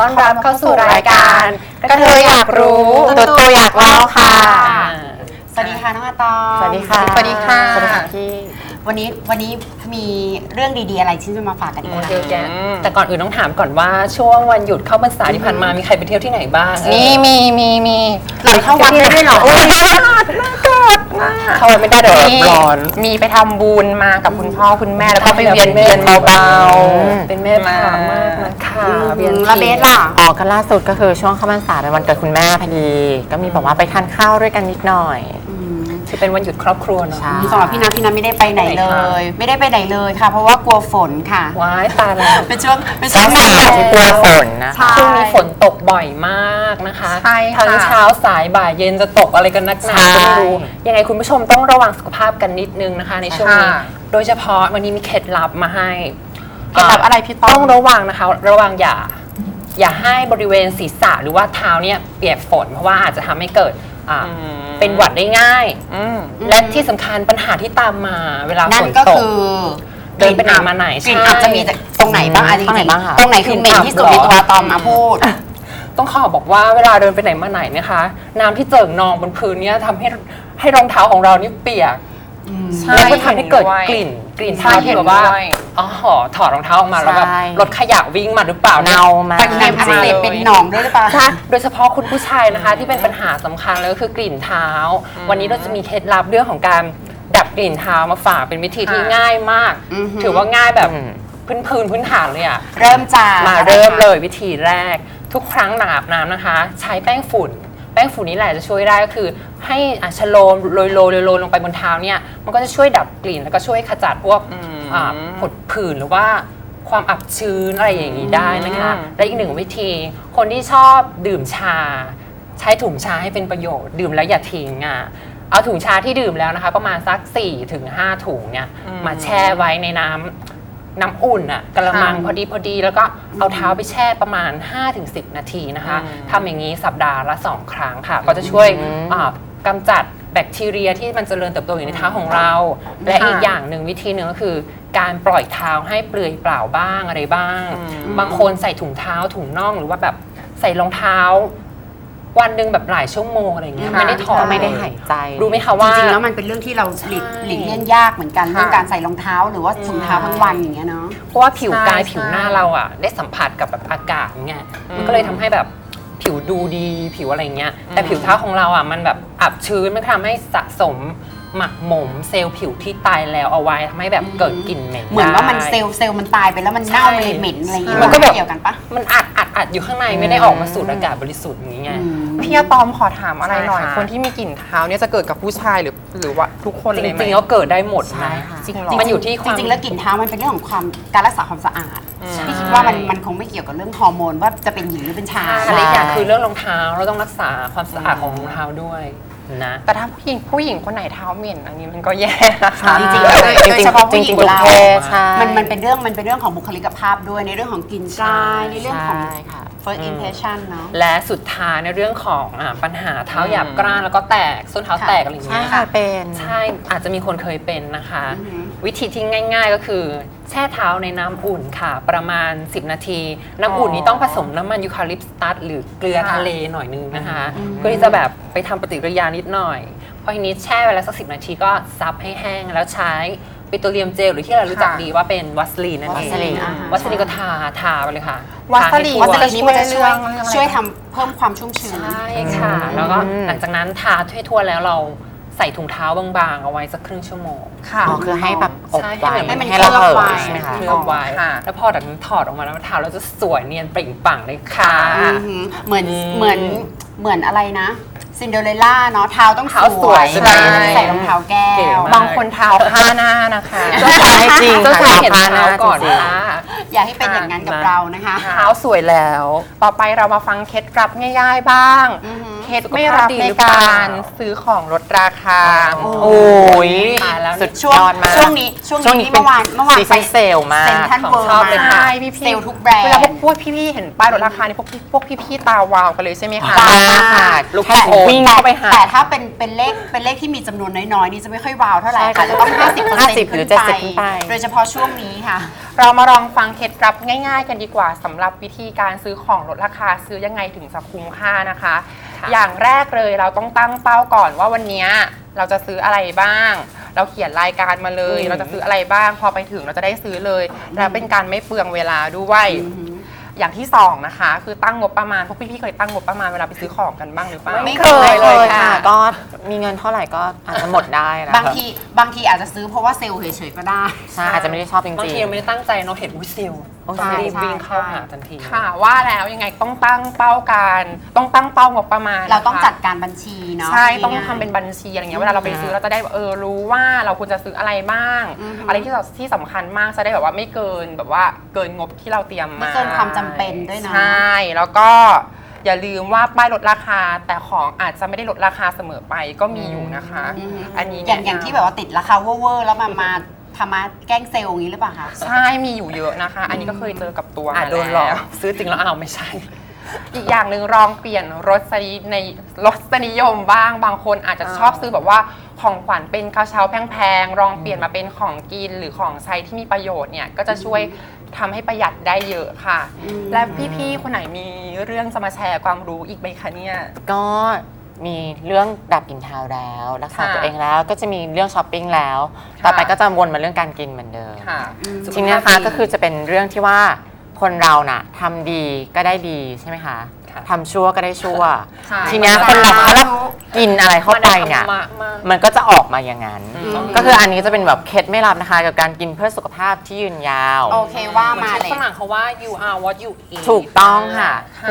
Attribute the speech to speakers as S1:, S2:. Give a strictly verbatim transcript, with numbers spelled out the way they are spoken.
S1: อนรับเข้าสู่รายการกระเทยอยากรู้ตัวตัวอยากเล่าค่ะ
S2: สวัสดีค่ะน้องอาตอม
S1: สวัสดีค่ะ
S2: สวัสดีค่ะ
S1: สวัสดีค่ะพี่
S2: วันนี้วันนี้มีเรื่องดีๆอะไรที่จะมาฝากกันอีกคะ
S3: เยอะแยะแต่ก่อนอื่นต้องถามก่อนว่าช่วงวันหยุดเข้าพรรษาที่ผ่านมามีใครไปเที่ยวที่ไหนบ้าง
S1: มีมีมีมี
S2: เราเข้าวัดได้ด้วยเหรอ
S1: โอ้ยน่ารักน่ารักมาก
S3: เข้าวัดไม่ได้เดี๋ยวร้อน
S1: มีไปทำบุญมากับคุณพ่อคุณแม่แล้วก็ไปเวียนเทียนเบาๆ
S3: เป็นแม่พามากนะคะ
S2: เวียนละเบสล่ะ
S1: อ๋อก็ล่าสุดก็คือช่วงเข้าพรรษาในวันเกิดคุณแม่พอดีก็มีแบบว่าไปทานข้าวด้วยกันนิดหน่อย
S3: ที่เป็นวันหยุดครอบครัวเนาะ
S2: สำหรับพี่นัทพี่นัทไม่ได้ไปไหนเลย ไม่ได้ไปไหนเลยค่ะเพราะว่ากลัวฝนค่ะ
S3: ว้ายตายแล้ว
S2: เป็นช่วงเป็นช่
S1: วงหนาวที่กลัวฝนนะ
S3: ช่วงนี้ฝนตกบ่อยมากนะคะทั้งเช้าสายบ่ายเย็นจะตกอะไรกันนักหนาก็ไม่รู้ยังไงคุณผู้ชมต้องระวังสุขภาพกันนิดนึงนะคะในช่วงนี้โดยเฉพาะวันนี้มีเคล็ดลับมาให้
S2: เคล็ดลับอะไรพี่
S3: ต้องระวังนะคะระวังอย่าอย่าให้บริเวณศีรษะหรือว่าเท้าเนี่ยเปียกฝนเพราะว่าอาจจะทำให้เกิดเป็นหวัดได้ง่ายและที่สำคัญปัญหาที่ตามมาเวลาฝนตกเดินไปไหนมาไหน
S2: กลิ่นอาจจะมีตรงไหนบ้างอะไรจริงๆตรงไหนคือเหม็นที่สุดในตัวตอมมาพูด
S3: ต้องขอบอกว่าเวลาเดินไปไหนมาไหนนะคะน้ำที่เจิ่งนองบนพื้นเนี่ยทำให้ให้รองเท้าของเรานี่เปียกแล้วก็ทำให้เกิดกลิ่นกลิ่นเท้าที่แบบว่าอ๋อถอดรองเท้าออกมาแล้วแบบรถขยะวิ่งมาหรือเปล่า
S1: เน่ามา
S2: ตะเกียบอักเสบเป็นหนองด้วยหรือเปล่า
S3: โดยเฉพาะคุณผู้ชายนะคะที่เป็นปัญหาสำคัญเลยก็คือกลิ่นเท้าวันนี้เราจะมีเคล็ดลับเรื่องของการดับกลิ่นเท้ามาฝากเป็นวิธีที่ง่ายมากถือว่าง่ายแบบพื้นพื้นพื้นฐานเลยอะ
S2: เริ่มจาก
S3: มาเริ่มเลยวิธีแรกทุกครั้งหลังอาบน้ำนะคะใช้แป้งฝุ่นแป้งฝุ่นนี้แหละจะช่วยได้ก็คือให้ชโลมโรยโรยโรยลงไปบนเท้าเนี่ยมันก็จะช่วยดับกลิ่นแล้วก็ช่วยขจัดพวกผดผื่นหรือว่าความอับชื้นอะไรอย่างนี้ได้นะคะและอีกหนึ่งวิธีคนที่ชอบดื่มชาใช้ถุงชาให้เป็นประโยชน์ดื่มแล้วอย่าทิ้งอ่ะเอาถุงชาที่ดื่มแล้วนะคะประมาณสัก สี่ถึงห้า ถุงเนี่ยมาแช่ไว้ในน้ำน้ำอุ่นอ่ะกระมังพอดีพอดีแล้วก็เอาเท้าไปแช่ประมาณ ห้าถึงสิบ นาทีนะคะทำอย่างนี้สัปดาห์ละสองครั้งค่ะก็จะช่วยกำจัดแบคทีเรียที่มันเจริญเติบโตอยู่ในเท้าของเราและอีกอย่างหนึ่งวิธีหนึ่งก็คือการปล่อยเท้าให้เปลือยเปล่าบ้างอะไรบ้างบางคนใส่ถุงเท้าถุงน่องหรือว่าแบบใส่รองเท้าวันหนึ่งแบบหลายชั่วโมงอะไรเงี้ยไม่ได้ถอด
S1: ไม่ได้หายใจ
S3: รู้ไหมคะว่า
S2: จริงๆแล้วมันเป็นเรื่องที่เราหลีกหลีกเลี่ยงยากเหมือนกันเรื่องการใส่รองเท้าหรือว่าถุงเท้าทั้งวันอย่างเงี้ยเนาะ
S3: เพราะว่าผิวกายผิวหน้าเราอ่ะได้สัมผัสกับแบบอากาศเงี้ยมันก็เลยทำให้แบบผิวดูดีผิวอะไรเงี้ยแต่ผิวเท้าของเราอ่ะมันแบบอับชื้นมันทำให้สะสมหมักหมมเซลล์ผิวที่ตายแล้วเอาไว้ทำให้แบบเกิดกลิ่นเหม็น
S2: เหมือนว่ามันเซลล์เซลล์มันตายไปแล้วมันเน่าเลยเหม็นอะไรอย่างเงี้ย
S3: มันก็แบบ
S2: เกี่ยวกันปะ
S3: มันอัดอัดอัดอยู่ข้างในไม่ได้ออกมาสูดอากาศบริสุทธิ์อย่างเงี้ย
S4: พี่อะตอมขอถามอะไรหน่อยคนที่มีกลิ่นเท้าเนี่ยจะเกิดกับผู้ชายหรือหรือว่าทุกคนเลยไหม
S3: จริงๆก็เกิดได้หมดนะ
S1: จริง
S3: มันอยู่ที่ความ
S2: จริงๆแล้วกลิ่นเท้ามันเป็นเรื่องของความการรักษาความสะอาดพี่คิดว่ามันมันคงไม่เกี่ยวกับเรื่องฮอร์โมนว่าจะเป็นหญิงหรือเป็นชาย
S3: อะไรอย่างคือเรื่องรองเท้าเราต้องรักษาความสะอาดของรองเท้าด้วยนะ
S4: แต่ถ้าผู้หญิงผู้หญิงคนไหนเท้าเหม็นอันนี้มันก็แย่นะคะ
S2: จริงๆโดยเฉพาะผู้หญิงเรามันมันเป็นเรื่องมันเป็นเรื่องของบุคลิกภาพด้วยในเรื่องของกลิ่นกายในเรื่องของ first impression เนาะ
S3: และสุดท้ายในเรื่องของปัญหาเท้าหยาบกร้านแล้วก็แตกส้นเท้าแตกอะไรอย่างเงี้ย
S1: ใช่เป็น
S3: ใช่อาจจะมีคนเคยเป็นนะคะวิธีที่ง่ายๆก็คือแช่เท้าในน้ำอุ่นค่ะประมาณสิบนาทีน้ำอุ่นนี้ต้องผสมน้ำมันยูคาลิปตัสหรือเกลือทะเลหน่อยนึงนะคะเพื่อที่จะแบบไปทำปฏิกิริยานิดหน่อยพอทีนี้แช่ไว้แล้วสักสิบนาทีก็ซับให้แห้งแล้วใช้ปิโตรเลียมเจลหรือที่เรารู้จักดีว่าเป็นวัสลีนนั่นเองวัสลีนก็ทาทาไปเลยค่ะ
S4: วัสลีน
S2: วัสลีนนี้มันจะช่วยช่วยทำเพิ่มความชุ่มชื้น
S3: ใช่ค่ะแล้วก็หลังจากนั้นทาทั่วๆแล้วเราใส่ถุงเท้าบางๆเอาไว้สักครึ่งชั่วโมง
S1: ค่ะคือให้แบบอบไว้
S2: ให้มัน
S1: ให้
S2: เรา
S1: เผ
S2: ย
S3: ใช่ไหมคะเคลือบไว้แล้วพอจากนั้นถอดออกมาแล้วเท้าเราจะสวยเนียนเปล่งปลั่งเลยค่ะ
S2: เหมือนเหมือนเหมือนอะไรนะซินเดอเรลล่าเนาะเท้าต้องสวยใส่รองเท้าแก้ว
S4: บางคนเท้าผ้าหน้านะคะ
S1: ก็ใช่จริง
S3: ก็คือเห็นเท้าก่อนค่ะ
S2: อย่าให้เป็นอย่างนั้นกับเรานะคะ
S4: เท้าสวยแล้วต่อไปเรามาฟังเคล็ดลับง่ายๆบ้างเคล็ดไม่รับในการซื้อของลดราคา
S1: โอ้ย
S3: ตายแล้ว
S1: สุด
S2: ช่วง
S1: ยอดมาก
S2: ช่วงนี้ช่วง
S1: ช่วงนี้
S2: นี้เมื่อวานเมื่อวาน
S1: ซีซั่นเซลมาก
S2: เซ็นทรัล
S3: ของ
S2: เวิร์
S3: ชอบเลย
S2: มา
S3: ค่ะ
S4: ใช่พี่พี่
S2: เซลล์ทุกแบรนด์
S4: เวลาพวกพวกพี่ๆเห็นป้ายลดราคานี่พวกพี่พวกพี่ๆตาวาวกันเลยใช่ไหมคะ
S1: ว้าวค่ะ
S3: ลูก
S1: แค่
S3: โป่ง
S1: วิ่งเข้าไปหา
S2: แต่ถ้าเป็นเป็นเลขเป็นเลขที่มีจำนวนน้อยๆ นี่จะไม่ค่อยวาวเท่าไหร่
S1: ใช่
S2: ค่ะ
S1: ค่ะ
S2: จะต้อง ห้าสิบเปอร์เซ็นต์
S1: ห้าสิบหรือเจ็ดสิบขึ้นไป
S2: โดยเฉพาะช่วงนี้ค่ะ
S4: เรามาลองฟังเคล็ดลับง่าย ๆ กันดีกว่าสำหรับวิธีการซื้อของลดราคาซื้อยังไงถึงจะคุ้มค่านะคะ อย่างแรกเลยเราต้องตั้งเป้าก่อนว่าวันนี้เราจะซื้ออะไรบ้าง เราเขียนรายการมาเลย เราจะซื้ออะไรบ้าง พอไปถึงเราจะได้ซื้อเลย แล้วเป็นการไม่เปลืองเวลาด้วยอย่างที่สองนะคะ คือตั้งงบประมาณพวกพี่ๆเคยตั้งงบประมาณเวลาไปซื้อของกันบ้างหรือเปล่า
S2: ไม่
S1: เคยเลยค่ะ ก็มีเงินเท่าไหร่ก็อาจจะหมดได้นะ
S2: บางทีบางทีอาจจะซื้อเพราะว่าเซลล์เฉยๆก็ได้
S1: ใช่อาจจะไม่ได้ชอบจริงๆ
S3: บางทีเราไม่ได้ตั้งใจเนาะเห็นอุ้ยเซลล์
S1: โอ้
S3: ต้องรีบ
S2: ใช่
S3: วิ่งเข้า
S2: ใช่
S3: หาทันที
S4: ค่ะว่าแล้วยังไงต้องตั้งเป้าการต้องตั้งเป้างบประมาณ
S2: เราต้อง
S4: นะคะ
S2: จัดการบัญชีเนาะ
S4: ใช่ ต้อง
S2: ง่ายๆ
S4: ทำเป็นบัญชีอะไรเงี้ยเวลาเราไปซื้อเราจะได้เออรู้ว่าเราควรจะซื้ออะไรบ้าง
S2: อือฮึ
S4: อะไรที่เราที่สำคัญมากจะได้แบบว่าไม่เกินแบบว่าเกินงบที่เราเตรียม
S2: ไม่
S4: มา
S2: เกินความจำเป็นด้วยเนาะ
S4: ใช่แล้วก็อย่าลืมว่าป้ายลดราคาแต่ของอาจจะไม่ได้ลดราคาเสมอไปก็มีอยู่นะคะ
S2: อืม
S4: อันนี้
S2: อย่าง
S4: แนะนำ
S2: อย่างที่แบบว่าติดราคาเวอร์ๆแล้วมามาทำมาแกล้งเซลล์อย่างนี้หรือเปล่าคะ
S4: ใช่มีอยู่เยอะนะคะ อันนี้ก็เคยเจอกับตัว
S3: อ่ะ
S4: มา
S3: โดนหลอก
S4: แล้ว
S3: ซื้อจริงแล้วอ้าวไม่ใช่
S4: อีกอย่างหนึ่งลองเปลี่ยนรสนิในรสนิยมบ้างบางคนอาจจะชอบซื้อแบบว่าของขวัญเป็นกระเช้าแพงๆลองเปลี่ยนมาเป็นของกินหรือของใช้ที่มีประโยชน์เนี่ยก็จะช่วยทำให้ประหยัดได้เยอะค่ะ และพี่ๆคนไหนมีเรื่องจะมาแชร์ความรู้อีกไหมคะเนี่ย
S1: ก็มีเรื่องดับกลิ่นเท้าแล้วรักษา
S4: ค่ะ
S1: ตัวเองแล้วก็จะมีเรื่องช้อปปิ้งแล้ว
S4: ค่ะ
S1: ต่อไปก็จะวนมาเรื่องการกินเหมือนเดิม
S4: ค่ะ
S1: ทีนี้นะคะก็คือจะเป็นเรื่องที่ว่าคนเราน่ะทำดีก็ได้ดีใช่ไหมคะ
S3: ค่ะ
S1: ทำชั่วก็ได้ชั่ว
S4: ใช่
S1: ทีเนี้ยคนเราถ้าเรากินอะไรเข้าไปเนี่ย
S3: มันได้ธรรมะมาก
S1: มันก็จะออกมาอย่างนั้น ก็คืออันนี้จะเป็นแบบเคล็ดไม่ลับนะคะกับการกินเพื่อสุขภาพที่ยืนยาว
S2: โอเคว่า
S3: เหมือน
S2: มา
S3: ที่
S2: เลย
S3: ฝรั่งเขาว่า you are what you eat
S1: ถูกต้องค่ะ